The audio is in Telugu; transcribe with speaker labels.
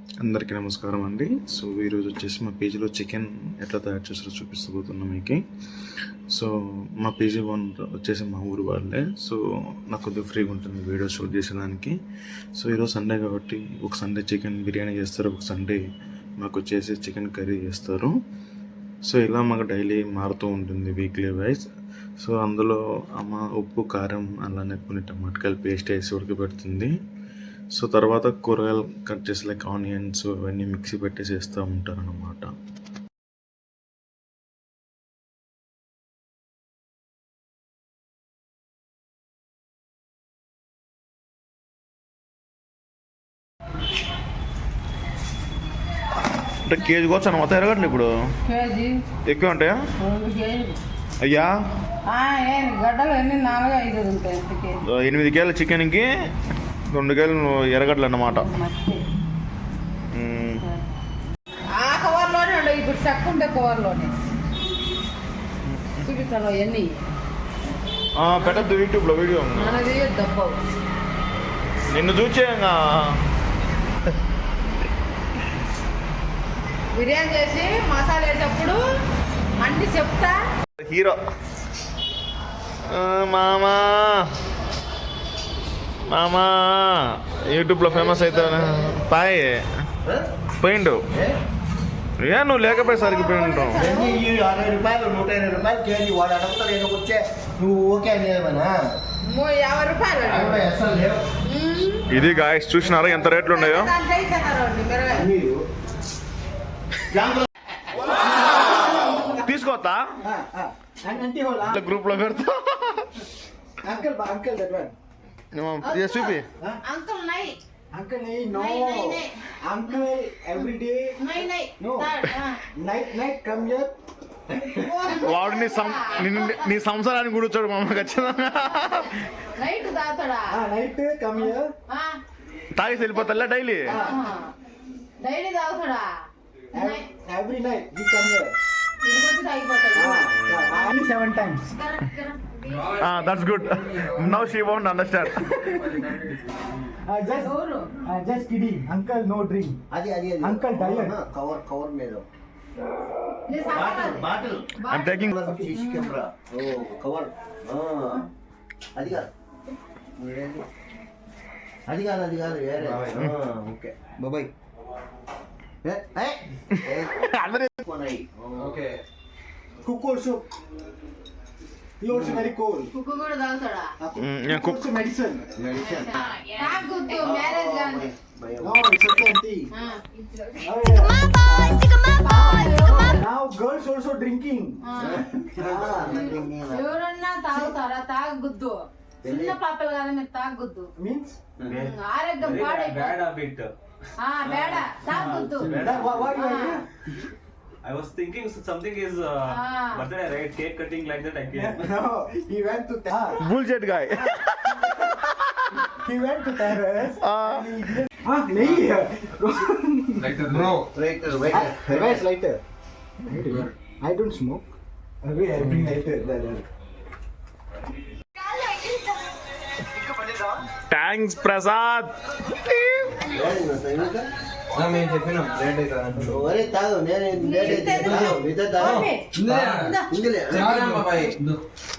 Speaker 1: అందరికీ నమస్కారం అండి. సో ఈరోజు వచ్చేసి మా పేజీలో చికెన్ ఎట్లా తయారు చేస్తారో చూపిస్తూ మీకు. సో మా పేజీ వన్ వచ్చేసి మా ఊరు వాళ్ళే. సో నాకు కొద్దిగా ఫ్రీగా ఉంటుంది వీడియో షూట్ చేసేదానికి. సో ఈరోజు సండే కాబట్టి ఒక సండే చికెన్ బిర్యానీ చేస్తారు, ఒక సండే మాకు వచ్చేసి చికెన్ కర్రీ చేస్తారు. సో ఇలా మాకు డైలీ మారుతూ ఉంటుంది వీక్లీ వైజ్. సో అందులో అమ్మ ఉప్పు కారం అలానే కొన్ని టమాటకాయలు పేస్ట్ వేసి ఉడకబెడుతుంది. సో తర్వాత కూరగాయలు కట్ చేసి లైక్ ఆనియన్స్ అవన్నీ మిక్సీ పెట్టేసి వేస్తూ ఉంటారు అన్నమాట. అంటే కేజీ కోవచ్చు అన్న మొత్తం ఎరగట్లేదు ఇప్పుడు ఎక్కువ ఉంటాయా అయ్యా? 8 కేజీల చికెన్కి 2 కేజీలు ఎరగడ్లు అన్నమాట. పెట్టద్దు యూట్యూబ్లో వీడియో నిన్ను చూచే
Speaker 2: బిర్యానీ చేసి మసాలా వేసేటప్పుడు అన్ని చెప్తా.
Speaker 1: హీరో మామా మామా యూట్యూబ్లో ఫేమస్ అవుతాను పోయిండు. ఏ నువ్వు లేకపోయేసరికి పోయింటావు.
Speaker 3: 60 రూపాయలు 120 రూపాయలు కేజీ వాడు అడుగుతాడు. వచ్చే నువ్వు ఓకే అనేమన్నా
Speaker 2: 50 రూపాయలు
Speaker 3: అసలు లేవు.
Speaker 1: ఇది గాయస్ చూసినారా ఎంత రేట్లు ఉన్నాయో. తీసుకోవద్దా గ్రూప్ లో పెడతా. చూపి
Speaker 3: Uncle, no. Uncle, every day. No. Night, come here.
Speaker 1: వాడు నీ సంసారాన్ని కూర్చోడు మా అమ్మ ఖచ్చితంగా.
Speaker 3: Night come here.
Speaker 1: తాగేసి వెళ్ళిపోతా డైలీ.
Speaker 2: డైలీ తాగుతాడా?
Speaker 3: Every night he come here. 7 times.
Speaker 1: That's good. Now she won't understand.
Speaker 3: Just kidding. Uncle, no drink. Adi. Uncle diet. Cover made. Bottle.
Speaker 1: I'm taking.
Speaker 3: CC camera. Oh, cover. Adi kaadu. Okay. Bye. Hey. Okay. Cook also. He also very cold.
Speaker 2: Cook కూడా తాగుతాడా?
Speaker 3: Cook also medicine.
Speaker 2: తాగుతూ మ్యారేజ్ గాని.
Speaker 3: No, it's okay, auntie. Now girls also drinking.
Speaker 2: ఎవరన్నా తాగుతారా? తాగొద్దు. చిన్న పాపలు కదా మీరు తాగొద్దు.
Speaker 3: Means?
Speaker 2: ఆరోగ్యం పాడైపోతుంది.
Speaker 4: Bad habit.
Speaker 2: బేడ తాగొద్దు.
Speaker 3: What you are?
Speaker 4: I was thinking something is birthday, right? Cake cutting like that. I can't.
Speaker 3: No, he went to
Speaker 1: Bullshit guy.
Speaker 3: He went to terrace. Nahi.
Speaker 4: Lighter,
Speaker 3: No. Where's lighter? I don't smoke. I bring lighter.
Speaker 1: Thanks Prasad.
Speaker 4: మేము చెప్పినాం లేట్ అవుతుంది.
Speaker 3: ఒరే తాగు నేను లేట్ అయితే